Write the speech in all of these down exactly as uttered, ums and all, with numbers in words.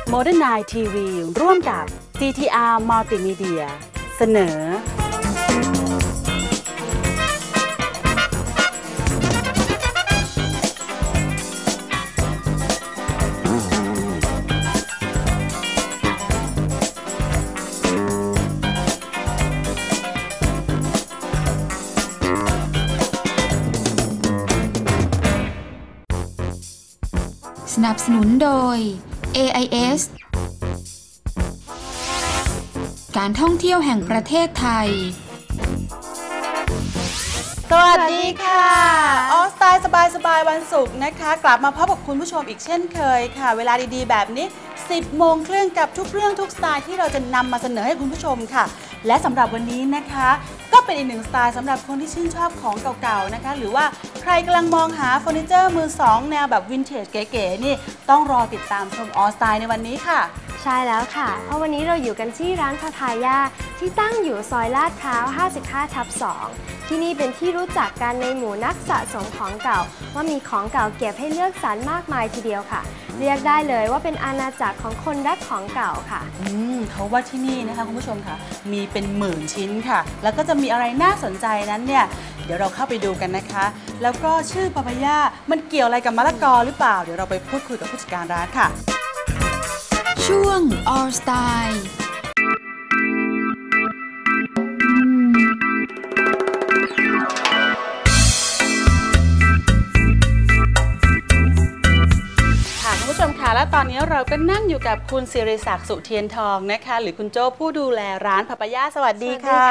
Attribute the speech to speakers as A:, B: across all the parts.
A: Modern ไนน์ ที วี ร่วมกับ ซี ที อาร์ Multimedia เสนอ
B: สนับสนุนโดย เอ ไอ เอส การท่องเที่ยวแห่งประเทศไทย
A: สวัสดีค่ะออสไตล์สบายๆวันศุกร์นะคะกลับมาพบกับคุณผู้ชมอีกเช่นเคยค่ะเวลาดีๆแบบนี้สิบโมงครึ่งกับทุกเรื่องทุกสไตล์ที่เราจะนำมาเสนอให้คุณผู้ชมค่ะและสำหรับวันนี้นะคะก็เป็นอีกหนึ่งสไตล์สำหรับคนที่ชื่นชอบของเก่าๆนะคะหรือว่าใครกำลังมองหาเฟอร์นิเจอร์มือสองแนวแบบวินเทจเก๋ๆนี่ต้องรอติดตามชมออสไตล์ในวันนี้ค่ะ
C: ใช่แล้วค่ะเพราะวันนี้เราอยู่กันที่ร้านพาพายาที่ตั้งอยู่ซอยลาดพร้าว ห้าสิบห้าทับสอง ที่นี่เป็นที่รู้จักกันในหมู่นักสะสมของเก่าว่ามีของเก่าเก็บให้เลือกสรรมากมายทีเดียวค่ะเรียกได้เลยว่าเป็นอาณาจักรของคนรักของเก่าค่ะ
A: อืมเขาว่าที่นี่นะคะคุณผู้ชมค่ะมีเป็นหมื่นชิ้นค่ะแล้วก็จะมีอะไรน่าสนใจนั้นเนี่ยเดี๋ยวเราเข้าไปดูกันนะคะแล้วก็ชื่อปาปายามันเกี่ยวอะไรกับมะละกอหรือเปล่าเดี๋ยวเราไปพูดคุยกับผู้จัดการร้านค่ะ
B: ช่วง All Style
A: คุณผู้ชมค่ะและตอนนี้เราก็นั่งอยู่กับคุณศิริศักดิ์สุเทียนทองนะคะหรือคุณโจ้ผู้ดูแลร้านพาปายาสวัสดีค่ะ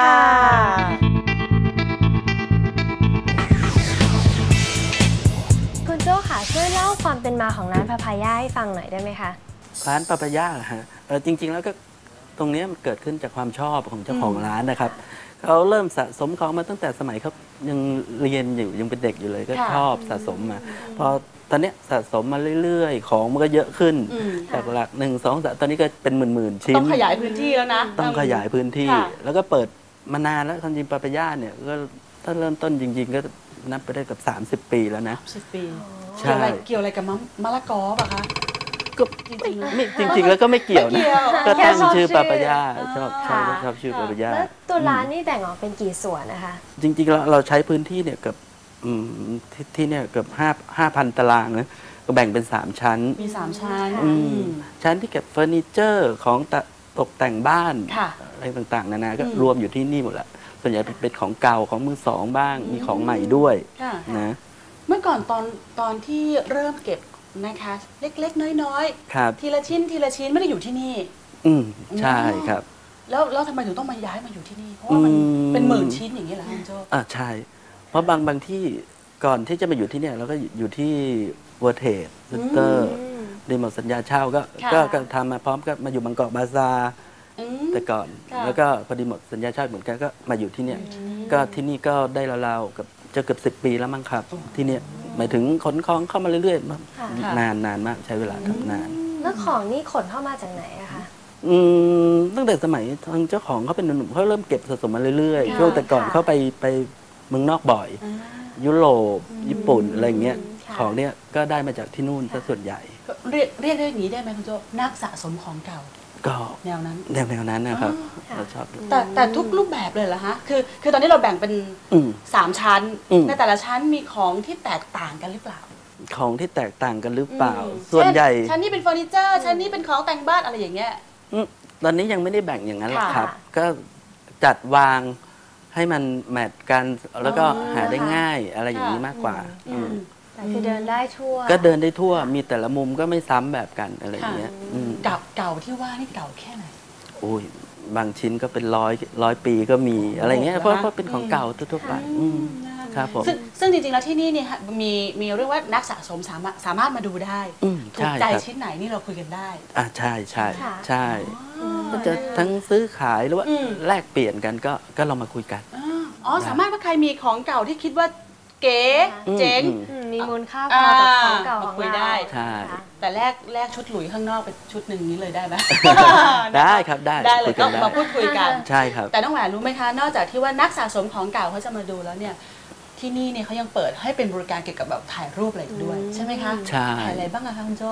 C: คุณโจ้ค่ะช่วยเล่าความเป็นมาของร้านพาพายาให้ฟังหน่อยได้ไหมคะ
D: ร้านปาปายาฮะเออจริงๆแล้วก็ตรงนี้มันเกิดขึ้นจากความชอบของเจ้าของร้านนะครับเขาเริ่มสะสมของมาตั้งแต่สมัยเขายังเรียนอยู่ยังเป็นเด็กอยู่เลยก็ชอบสะสมมาพอตอนนี้สะสมมาเรื่อยๆของมันก็เยอะขึ้นจากหลักหนึ่งสองสามตอนนี้ก็เป็นหมื่นๆชิ้น
A: ต้องขยายพื้นที่แล้วนะ
D: ต้องขยายพื้นที่แล้วก็เปิดมานานแล้วจริงๆปาปายาเนี่ยก็ถ้าเริ่มต้นจริงๆก็นับไปได้กับสามสิบปีแล้วนะ
A: สิบปีเกี่ยวอะไรเกี่ยวอะไรกับมะละกอป่ะคะ
D: ก็จริงๆไม่จริงๆแล้วก็ไม่เกี่ยวนะก็ตั้งชื่อปาปายาชอบชอบชอบชื่อปาปายา
C: แล้วตัวร้านนี่แบ่งออกเป็นกี่ส่วนนะคะ
D: จริงๆเราเราใช้พื้นที่เนี่ยเกือบที่เนี่ยเกือบห้าห้าพันตารางนะก็แบ่งเป็นสามชั้น
A: มีสามชั้น
D: ชั้นที่เก็บเฟอร์นิเจอร์ของตกแต่งบ้านอะไรต่างๆนานาก็รวมอยู่ที่นี่หมดแหละส่วนใหญ่เป็นของเก่าของมือสองบ้างมีของใหม่ด้วยนะ
A: เมื่อก่อนตอนตอนที่เริ่มเก็บนะคะเล็กๆน้อยๆทีละชิ้นทีละชิ้นไม่ได้อยู่ที่นี่
D: อืมใช่ครับ
A: แล้วแล้วทำไมถึงต้องมาย้ายมาอยู่ที่นี่เพราะว่ามันเป็นหมื่นชิ้นอย่างนี้เหรอคุณโจ้
D: อ่าใช่เพราะบางบางที่ก่อนที่จะมาอยู่ที่เนี่ยเราก็อยู่ที่เวอร์เทสเซ็นเตอร์ได้หมดสัญญาเช่าก็ก็ทำมาพร้อมก็มาอยู่บางกอกบาซาแต่ก่อนแล้วก็พอดีหมดสัญญาเช่าเหมือนกันก็มาอยู่ที่เนี่ยก็ที่นี่ก็ได้ราวๆกับจะเกือบสิบปีแล้วมั้งครับที่เนี่ยหมายถึงขนของเข้ามาเรื่อยๆนานนานมากใช้เวลาทำนาน
C: แล้วของนี่ขนเข้ามาจากไหนอะคะ
D: อืมตั้งแต่สมัยทางเจ้าของเขาเป็นหนุ่มเขาเริ่มเก็บสะสมมาเรื่อยๆช่วงแต่ก่อนเขาไปไปเมืองนอกบ่อยยุโรปญี่ปุ่นอะไรเงี้ยของเนี้ยก็ได้มาจากที่นู่นซะส่วนใหญ่
A: เรียกเรียกได้อย่างนี้ได้ไหมคุณโจ้นักสะสมของเก่า
D: ก็
A: แนวนั้น
D: แนวแนวนั้นนะครับเราชอบ
A: แต่แต่ทุกรูปแบบเลยเหรอฮะคือคือตอนนี้เราแบ่งเป็นสามชั้นในแต่ละชั้นมีของที่แตกต่างกันหรือเปล่า
D: ของที่แตกต่างกันหรือเปล่าส่วนใหญ่
A: ชั้นนี้เป็นเฟอร์นิเจอร์ชั้นนี้เป็นของแต่งบ้านอะไรอย่างเงี้ย
D: ตอนนี้ยังไม่ได้แบ่งอย่างนั้นหรอกครับก็จัดวางให้มันแมทกันแล้วก็หาได้ง่ายอะไรอย่างนี้มากกว่า
C: แต่คือเดินได้ทั่ว
D: ก็เดินได้ทั่วมีแต่ละมุมก็ไม่ซ้ำแบบกันอะไรอย่างเงี้ย
A: เก่าเก่าที่ว่านี่เก่าแค่ไหน
D: โอ้ยบางชิ้นก็เป็นร้อยร้อยปีก็มีอะไรเงี้ยเพราะเพราะเป็นของเก่าทั่วไปครับผม
A: ซึ่งจริงๆแล้วที่นี่เนี่ยมีมีเรื่องว่านักสะสมสามารถสามารถมาดูได้ถูกใจชิ้นไหนนี่เราคุยกันได้
D: อ่าใช่ใช่ใช่ก็จะทั้งซื้อขายหรือว่าแลกเปลี่ยนกันก็ก็เรามาคุยกัน
A: อ๋อสามารถว่าใครมีของเก่าที่คิดว่าเก๋เจ๋ง
C: มีมูลค่าพอกับของเก่าของเรา
A: ได้แต่แลกแลกชุดหลุยข้างนอกเป็นชุดหนึ่งนี้เลยได้ไหม
D: ได้ครับได้
A: ได้เลยก็มาพูดคุยกัน
D: ใช่ครับ
A: แต่น้องแหวนรู้ไหมคะนอกจากที่ว่านักสะสมของเก่าเขาจะมาดูแล้วเนี่ยที่นี่เนี่ยเขายังเปิดให้เป็นบริการเกี่ยวกับแบบถ่ายรูปอะไรด้วยใช่ไหมคะ
D: ใช่
A: ถ่ายอะไรบ้างอะคะคุณโจ้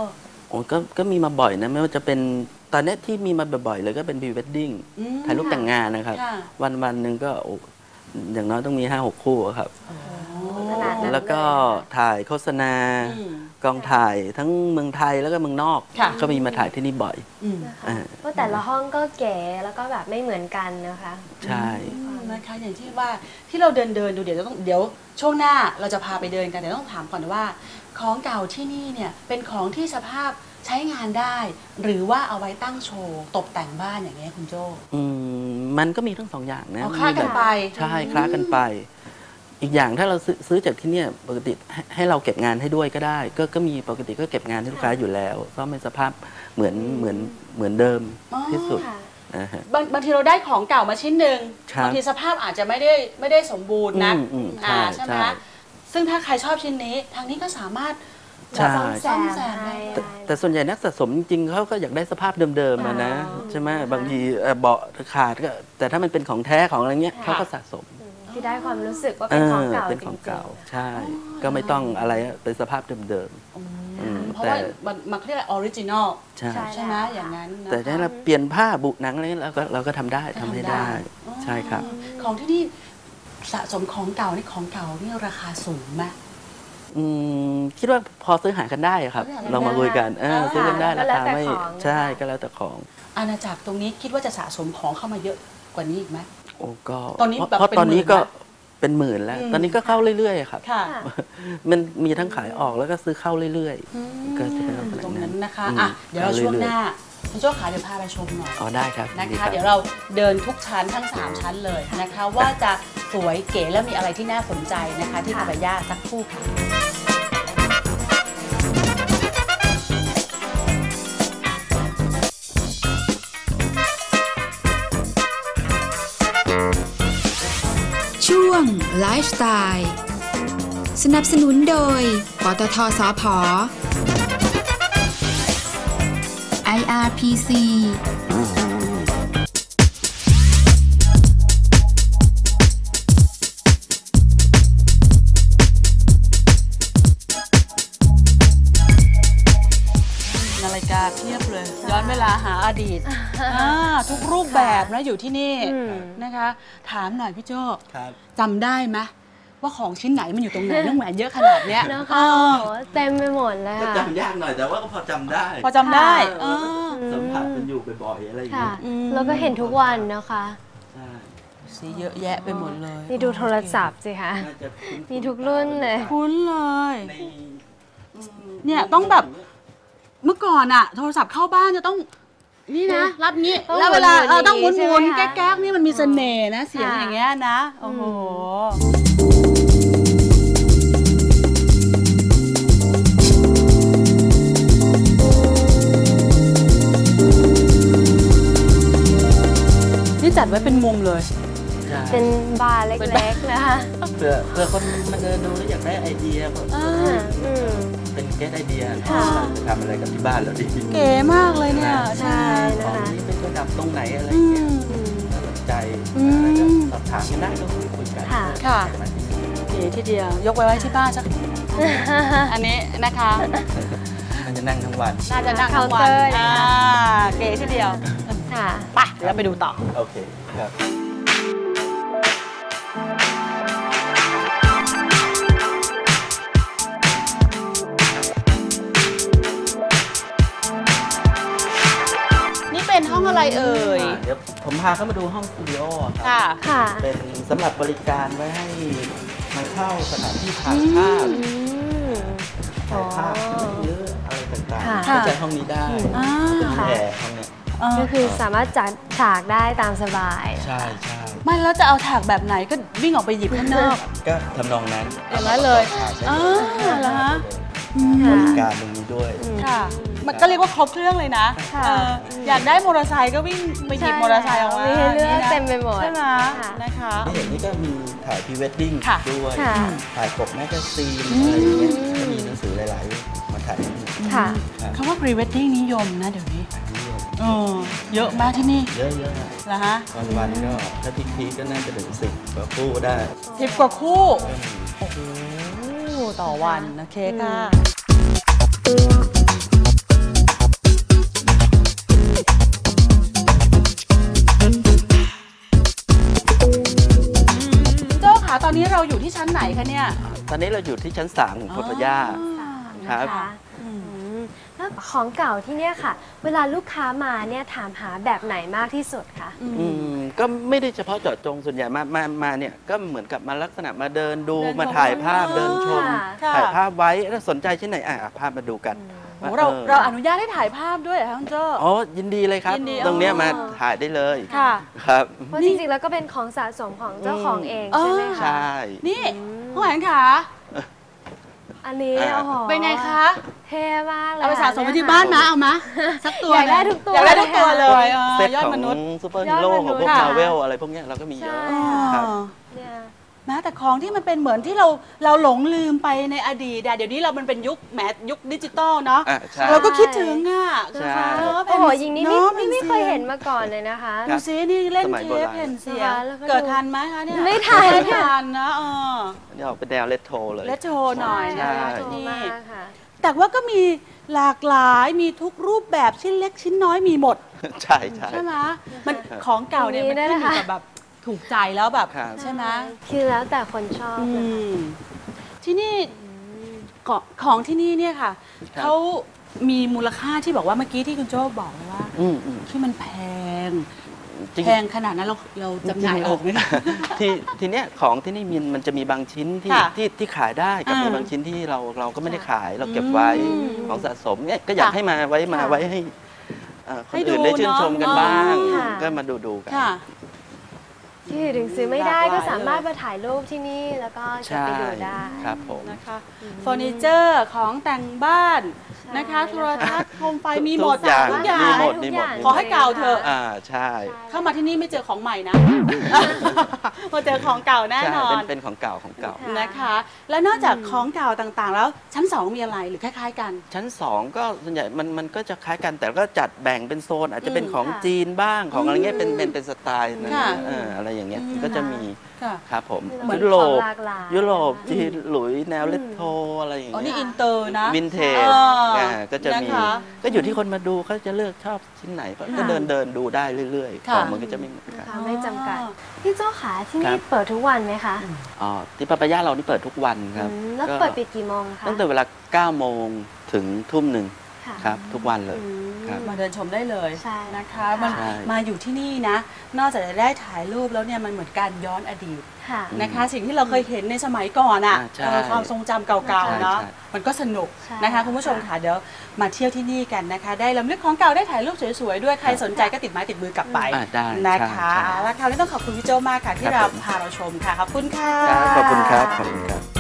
D: โอ้ก็ก็มีมาบ่อยนะไม่ว่าจะเป็นตอนนี้ที่มีมาบ่อยๆเลยก็เป็นพรีเวดดิ้ง
A: อืม
D: ถ่ายรูปแต่งงานนะครับ
A: ค่ะ
D: วันวันหนึ่งก็โอ้อย่างน้อยต้องมีห้าหกคู่อะครับ
C: ขนาดนั้น
D: แล้วก็
C: เลยค่ะ
D: ถ่ายโฆษณา
A: อืม
D: กองถ่ายทั้งเมืองไทยแล้วก็เมืองนอก
A: ค่ะ
D: ก็มีมาถ่ายที่นี่บ่อย
A: อืม
C: นะคะ
D: อ่า
C: เพราะแต่ละห้องก็เก๋แล้วก็แบบไม่เหมือนกันนะคะ
D: ใช่
A: นะคะอย่างที่ว่าที่เราเดินเดินดูเดี๋ยวต้องเดี๋ยวช่วงหน้าเราจะพาไปเดินกันแต่ต้องถามก่อนว่าของเก่าที่นี่เนี่ยเป็นของที่สภาพใช้งานได้ หรือว่าเอาไว้ตั้งโชว์ตกแต่งบ้านอย่างเงี้ยคุณโจ้
D: อืมมันก็มีทั้งสองอย่างนะ
A: เอาคลาดกันไป
D: ใช่คล้ากันไป อีกอย่างถ้าเราซื้อซื้อจากที่เนี่ยปกติให้ให้เราเก็บงานให้ด้วยก็ได้ ก็ก็มีปกติก็เก็บงานให้ลูกค้าอยู่แล้วก็เป็นสภาพเหมือนเหมือนเหมือนเดิม
A: อ๋อ
D: ที่สุด
C: ค่ะ
D: นะฮะ
A: บางบางทีเราได้ของเก่ามาชิ้นหนึ่ง
D: ครับ
A: บางทีสภาพอาจจะไม่ได้ไม่ได้สมบูรณ์นะ
D: อืมอืม
A: อ่า
D: ใช่
A: ใช่ไหม
D: ใช่
A: คะซึ่งถ้าใครชอบชิ้นนี้ ทางนี้ก็สามารถ
D: ใช่
C: ซ่อมแซ
A: ซ่อม
C: ม
A: แซมได้
C: ให้
D: แต่แต่ส่วนใหญ่นักสะสมจริงๆเขาก็อยากได้สภาพเดิมๆอะนะ
A: อ๋อ
D: ใช่ไหมบางทีเอ่อเบาะขาดก็แต่ถ้ามันเป็นของแท้ของอะไรเงี้ย
C: ค่ะ
D: เขาก็สะสม
C: ที่ได้ความรู้สึกว่าเป็นของเก่า
D: เป็น
C: จ
D: ของ
C: ริง
D: เก่า
C: ๆ
D: ใช่ ก็ไม่ต้องอะไรอะเป็นสภาพเดิม อืม
A: เพราะ
D: แต่
A: ว่ามันมันเขาเรียกอะไรออริจินอล
D: ๆใช่
C: ใช่
A: ใช่ไหมอย่างนั้นนะคะ
D: แต่ถ้าเราเปลี่ยนผ้าบุหนังอะไรเงี้ยเราก็เราก็ทำได้
A: ก็
D: ทำ
A: ทำ
D: ให้
A: ได้
D: ได้
A: อ๋อ
D: ใช่ครับ
A: ของที่นี่สะสมของเก่านี่ของเก่านี่ราคาสูงไหม
D: อืมคิดว่าพอซื้อหากันได้ครับ
A: ซื้อหากันได้
D: ลองมาคุยกันเออ
A: อ่า
D: ซื้อกันได้
C: ก็
D: รา
C: แล้ว
D: คา
C: แต่
D: ไม่
C: ของนะคะ
D: ใช่ก็แล้วแต่ของ
A: อาณาจักรตรงนี้คิดว่าจะสะสมของเข้ามาเยอะกว่านี้อีกไหม
D: โอ้ก็
A: ตอนนี้
D: เพราะ
A: แบบ
D: เพราะ
A: เป็น
D: ตอนนี้
A: หมื่น
D: ก็
A: นะ
D: เป็นหมื่นแล้ว
A: อืม
D: ตอนนี้ก็เข้าเรื่อยๆครับ
A: ค่ะ
C: ค่ะ
D: มันมีทั้งขายออกแล้วก็ซื้อเข้าเรื่อย
A: อืม
D: ก็จะเป็นลักษณะนั้น
A: ตรงนั้นนะคะ
D: อืม
A: อ่ะเดี๋ยวเรา
D: เอา
A: ช่วง
D: เรื่อยๆ
A: หน้าคุณโจ้ขาเดี๋ยวพาไปชมหน่อย
D: ๆอ๋อได้ครับ
A: นะ
D: ดี
A: คะ
D: รับ
A: เดี๋ยวเราเดินทุกชั้นทั้ง สาม ชั้นเลยนะคะ ว่าจะสวยเก๋และมีอะไรที่น่าสนใจนะคะ ที่คาบายาสักครู่ค่ะ
B: ช่วงไลฟ์สไตล์สนับสนุนโดย ปตท สผ. ไอ อาร์ พี ซี
A: นาฬิกาเพียบเลย ย้อนเวลาหาอดีตอ่าทุกรูปแบบนะอยู่ที่นี่
C: อืม
A: นะคะ ถามหน่อยพี่โจ้
D: ครับ
A: จำได้ไหมว่าของชิ้นไหนมันอยู่ตรงไหน น้องแหวนเยอะขนาดเนี้ย
C: นะคะ
A: เอ
C: โอ้
A: อ
C: โหเต็มไปหมดเลย
D: ก็
C: ค่ะ
D: จำยากหน่อยแต่ว่าก็พอจำได้
A: พอจำได้
C: ค่ะ
A: เออ
D: สัมผัสมันอยู่บ่อยๆอะไรอย่าง
C: ค่ะ
D: เงี้ย
A: อืม
C: แล้วก็เห็นทุกวันนะคะ
D: ใช่
A: สีเยอะแยะไปหมดเลย
C: นี่ดูโทรศัพท์สิคะ
D: น่าจะคุ้นๆ
C: มีทุกรุ่นเลย
A: คุ้นเลย
D: ในอืม
A: เนี่ยต้องแบบ เมื่อก่อนอะโทรศัพท์เข้าบ้านจะต้องนี่นะ รับงี้
C: ต้อง
A: แล้วเวลา
C: หมุนๆ
A: เออต้องหมุน
C: ใช่
A: ห
C: ไห
A: มุ
C: ม
A: น
C: คะ
A: แก๊กๆนี่มันมีเสน่ห์นะ เสียง
C: ค่ะ
A: อย่างเงี้ยนะโอ้โห นี่จัดไว้เป็นมุมเลย
D: ใช่
C: เป็นบาร์เล็กๆนะคะ
D: เพื่อเพื่อคนมาเดินดูแล้วอยากได้ไอเดียก็
A: อ่า
C: อืม
D: เป็นแก้ไอเดีย
C: ค่ะ
D: จะทำอะไรกับที่บ้านเราดี
A: เก๋มากเลยเนี่ย
C: ใช่
D: ของนี้เป็นระดับตรงไหนอะไร
A: อื
D: เงี้ย
A: ม
C: อืม
D: น่าสนใจ
A: อืม
D: อะไรก็สอบถามกันได้ก็คุยกัน
C: ค่ะ
A: ค่ะ เก๋ทีเดียวยกไว้ไว้ที่บ้านสักอันนี้นะคะ
D: มันจะนั่งทั้งวัน
A: น่าจะนั่งทั้งวัน
C: เคาน์เตอร์
A: อ่าเก๋ทีเดียว
C: ค่ะ
A: ไปเดี๋ยวเราไปดูต่อ
D: โอเคครับ
A: นี่เป็นห้องอะไรเอ่ย
D: เดี๋ยวผมพาเข้ามาดูห้องสตูดิโอค
A: ค่ะ
D: รั
C: ค่ะ
D: เป็นสำหรับบริการไว้ให้มาเช่าสถานที่ถ่ายภาพ
C: อืม
D: ถ่ายภาพเยอะๆอะไรต่าง
C: ค่ะ
D: ๆก็ใช้ห้องนี้ได้
A: อ่า
D: เป็นแอร์ห้องเนี้ย
C: ก็คือสามารถจัดฉากได้ตามสบาย
D: ใช่ใช่
A: ไม่แล้วจะเอาถากแบบไหนก็วิ่งออกไปหยิบข้างนอก
D: ก็ทำนองนั้น
A: อย่างนั้นเลย
D: ถ่ายได้
A: อ่า
D: เลย
A: เหรอฮะ
D: บริการตรงนี้ด้วย
C: อืม
A: ค่ะ มันก็เรียกว่าครบเครื่องเลยนะ
C: ค่ะ
A: เอออยากได้มอเตอร์ไซค์ก็วิ่งไปหยิบมอเตอร์ไซค์ออกมา
C: มีให้เลือก
A: นี่นะ
C: เต็มไปหมด
A: ใช่ไหม
C: ค่ะ
A: นะคะ
D: ที่เห็นนี่ก็มีถ่ายพรีเวดดิ้ง
A: ค่ะ
D: ด้วย
C: ค่ะ
D: ถ่ายปกแมกกาซีนอะไรอย่างเงี้ยก็มีหนังสือหลายๆมาถ่ายที่นี่
C: ค่ะ
D: ครับ
A: คำว่า pre wedding นิยมนะเดี๋ยวนี้
D: อันนี้
A: เออเยอะมากที่นี่
D: เยอะๆอะ
A: เหรอฮะ
D: วันวันๆก็ถ้าพีคๆก็น่าจะถึงสิบกว่าคู่ได้
A: สิบกว่าคู่
D: ก็มี
A: โอ้โหต่อวันโอเคค่ะนี้เราอยู่ที่ชั้นไหนคะเนี่ย
D: ตอนนี้เราอยู่ที่ชั้นสามของพระย่า ครับ
C: นะคะอืมแล้วของเก่าที่เนี่ยค่ะ เวลาลูกค้ามาเนี่ยถามหาแบบไหนมากที่สุดคะ
D: อืมก็ไม่ได้เฉพาะเจาะจงส่วนใหญ่มามามาเนี่ยก็เหมือนกับมาลักษณะมาเดินดู
A: เดินชม
D: มาถ่ายภาพ
A: อ๋อ
D: เดินชม
A: ค่ะ
D: ถ่ายภาพไว้ถ้าสนใจชิ้นไหนอ่ะอ่ะภาพมาดูกัน
A: โอ้เรา
D: ออ
A: เราอนุญาตให้ถ่ายภาพด้วยเหรอคะคุณโจ้
D: อ๋อยินดีเลยครับ
A: ยินดี
D: ตรงเนี้ย
A: อ๋อ
D: มาถ่ายได้เลย
A: ค่ะ
D: ครับ
C: เพราะจริงๆแล้วก็เป็นของสะสมของเจ้าของเองใช่ไหม
D: ใช
C: คะ
D: ่
A: นี่ผู้หญิงขา
C: อันนี้
D: อ่า
C: โอ้โห
A: เป็นไงคะ
C: เท่มากเลย
A: เอาไปสะสมไว้ที่
C: ค่ะ
A: บ้านนะเอามาสักตัว
C: อยากได้
A: หนึ่ง
C: ทุกตัว
A: อยากได้ทุกตัว
C: เลย
A: เล
C: ค่ะ
A: ยเออ
D: เซต
A: ยอด
D: ของ
A: มนุษย์
D: ซูเปอร์ฮีโร่
C: ยอดมนุษย์
D: ของพวก
A: ค่ะ
D: มาเวลอะไรพวกเนี้ยเราก็มีเยอะ
C: ใช่
D: ครับ
C: เนี่ย
A: แม้แต่ของที่มันเป็นเหมือนที่เราเราหลงลืมไปในอดีตอะเดี๋ยวนี้เรามันเป็นยุคแหมยุคดิจิตอลเนาะ
D: อ่ะใช่
A: เราก็คิดถึงอ่ะ
D: ใช่
A: เออ
C: โอ้โหยิงนี้ไม่
A: อะ
C: ไม่ไม่เคยเห็นมาก่อนเลยนะคะ
D: ค
A: ดู
D: รับ
A: ซินี่เล่น
D: สมัย
A: เท
D: โบ
A: ป
D: ราณ
A: แผ่นเสีย
C: นะคะ
A: ง
C: แล้วก็
A: เกิด
C: ดู
A: ทันไหมคะเนี่ย
C: ไม่ทัน
A: ไม่
C: ค่ะ
A: ทันนะเออ
D: อันนี่ออกเป็นแนวเลตโทเลย
A: และโชว์หน่อย
C: ใช่
A: นะ
C: ค่ะ
A: คะที่
C: โทร
A: นี่
C: มากค่ะ
A: แต่ว่าก็มีหลากหลายมีทุกรูปแบบชิ้นเล็กชิ้นน้อยมีหมด
D: ใช่ใช่
A: ใช่ไหมมันของเก่าเนี่ยมัน
C: มีด้วย
A: ขึ้นอยู่
C: นะคะ
A: กับแบบถูกใจแล้วแบบ
D: ครับ
A: ใช่ไหม
C: คือแล้วแต่คนชอบ
A: อื
C: เลย
A: มที่นี่ของของที่นี่เนี่ยค่ะ
D: ครับ
A: เขามีมูลค่าที่บอกว่าเมื่อกี้ที่คุณโจ้บอกเลยว่า
D: อืมอืม
A: ที่มันแพง
D: จริง
A: แพงขนาดนั้นเราเราจำหน่ายออกไหมคะ
D: ที่ทีเนี้ยของที่นี่มีมันจะมีบางชิ้นที่
A: ค่ะ
D: ที่ที่ขายได้กับ
A: อ่ามี
D: มีบางชิ้นที่เราเราก็ไม่ได้ขายเราเก็บไว้
A: อืม
D: ของสะสมเนี่ยก็อยาก
A: ค่ะ
D: ให้มาไว้มา
C: ค่ะ
D: ไว้ให้เอ่อคน
A: ให้ดู
D: อื่นได้ชื่นชมกัน
A: เนอะ
D: บ้าง
C: ค่ะ
D: ก็มาดูดูกัน
A: ค่ะ
C: ที่ถึงซื้อไม่ได้
A: หลากหลาย
C: ก็สามารถมาถ่ายรูปที่นี่แล้วก็จะ
D: ใช่
C: ไปดูได้
D: ครับผม
A: นะคะเฟอร์นิเจอร์ของแต่งบ้านนะคะ
C: ใช่
A: โทรทัศน์โคมไฟ
D: ทุก
A: มีหมด
D: ทุกอย่าง
A: ทุกอย่าง
D: มีหมด
C: ทุก
D: มีหมด
C: ย่ง
A: ขอให้เก่าเถอะ
D: อ่าใช่
A: เข้ามาที่นี่ไม่เจอของใหม่นะ มาเจอของเก่าแน่
D: ใช่
A: นอ
D: เป็น นเป็นของเก่าของเก่า
C: ค่ะ
A: นะคะ แล้วนอกจากของเก่าต่างๆ แล้วชั้นสองมีอะไรหรือคล้ายๆกัน
D: ชั้นสองก็ส่วนใหญ่มันมันก็จะคล้ายกันแต่ก็จัดแบ่งเป็นโซน อาจจะเป็น
A: อืม
D: ของ
C: ค่ะ
D: จีนบ้างของอะไรเงี้ยเป็นเป็นเป็นสไตล์นั้น
A: ค่ะ
D: เอออะไรอย่างเงี้ย
A: อืม
D: ก็จะมี
A: ค่ะ
D: ครับผม
C: เหมือน
D: ยุโรป
C: ของหลากหลาย
D: ยุโรป
C: นะคะ
D: จีนหลุยแนวเลตโทอะไรอย่าง
A: อ๋อ
D: เงี้
A: นี่
D: ย
A: อินเตอร์นะ
D: วินเทจ
A: เอออ่
D: าก็จะมี
A: นะคะ
D: ก็อยู่ที่คนมาดูเขาจะเลือกชอบชิ้นไหนก็
A: ค่ะ
D: เดินเดินดูได้เรื่อยๆ
A: ค่ะ
D: ของมันก็จะไม่เหมือนกัน
C: นะคะไม่จำกัด
A: อ๋อ
C: พี่โจ้ขาที่
D: ครั
C: นี่
D: บ
C: เปิดทุกวันไหมคะ
D: อ๋อที่ปาปายาเรานี่เปิดทุกวันครับ
C: อืมแล้ว
D: ก็
C: เปิดปิดกี่โมงคะ
D: ตั้งแต่เวลาเก้าโมงถึงทุ่มหนึ่ง
C: ค่ะ
D: ครับทุกวันเลย
C: อืม
D: ครับ
A: มาเดินชมได้เลย
C: ใช่
A: นะคะ
C: ค่ะ
A: มัน
D: ใช่
A: มาอยู่ที่นี่นะ นอกจากจะได้ถ่ายรูปแล้วเนี่ยมันเหมือนการย้อนอดีต
C: ค่ะ
A: นะคะ สิ่งที่เราเคยเห็นในสมัยก่อนอ่ะ
D: อ่าใช่
A: เออความทรงจำเก่าๆเนาะ
D: ใช่ใช่
A: มันก็สนุก
C: ใช่
A: นะคะคุณผู้ชมค่ะเดี๋ยวมาเที่ยวที่นี่กันนะคะ ได้ลำลึกของเก่าได้ถ่ายรูปสวยๆด้วยใครสนใจก็ติดไม้ติดมือกลับไป
D: อ่าได้
A: นะคะ
D: ใช่ใช่
A: เอาละค่ะวันนี้ต้องขอบคุณพี่โจมากค่ะที่
D: ครับ
A: เรา
D: ผม
A: พาเราชมค่ะขอบคุณค่ะ
D: ครับขอบคุณครับขอบคุณครับ